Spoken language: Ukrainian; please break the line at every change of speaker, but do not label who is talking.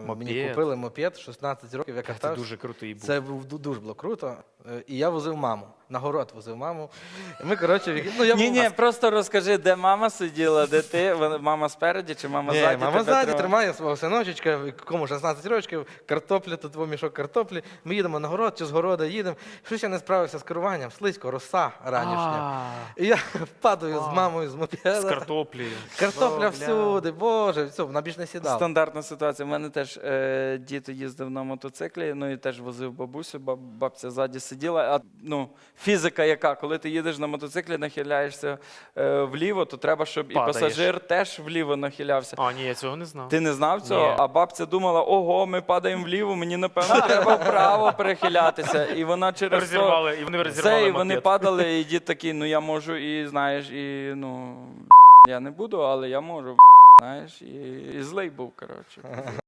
Мені купили мопед, 16 років, я катався.
Це дуже крутий був.
Це дуже було круто. І я возив маму. На город возив маму. І ми, коротше, ну, я
Ні, просто розкажи, де мама сиділа, де ти? Мама спереді чи мама ззаді?
Мама
тебе
ззаді
тримала?
тримає свого синочечка, якому 16 років, картопля, тут мішок картоплі. Ми їдемо на город, чи з города їдемо. Щось я не справився з керуванням, слизько, роса ранішня. І я падаю з мамою з мопеда.
З картоплею.
Картопля всюди, боже, все, вона більш не сідала.
Стандартна ситуація. У мене теж діти їздив на мотоциклі, ну і теж возив бабусю, бабця ззаді сиділа. А ну, фізика яка? Коли ти їдеш на мотоциклі, нахиляєшся вліво, то треба, щоб
Падаєш.
і пасажир теж вліво нахилявся.
А, ні, я цього не знав.
Ти не знав цього?
Ні.
А бабця думала, ого, ми падаємо вліво, мені, напевно, треба вправо перехилятися. І вона через
Розірвали, і вони
це,
розірвали
і вони
мопед.
падали, і дід такий, ну я можу, і знаєш, і ну, я не буду, але я можу, знаєш, і злий був, коротше.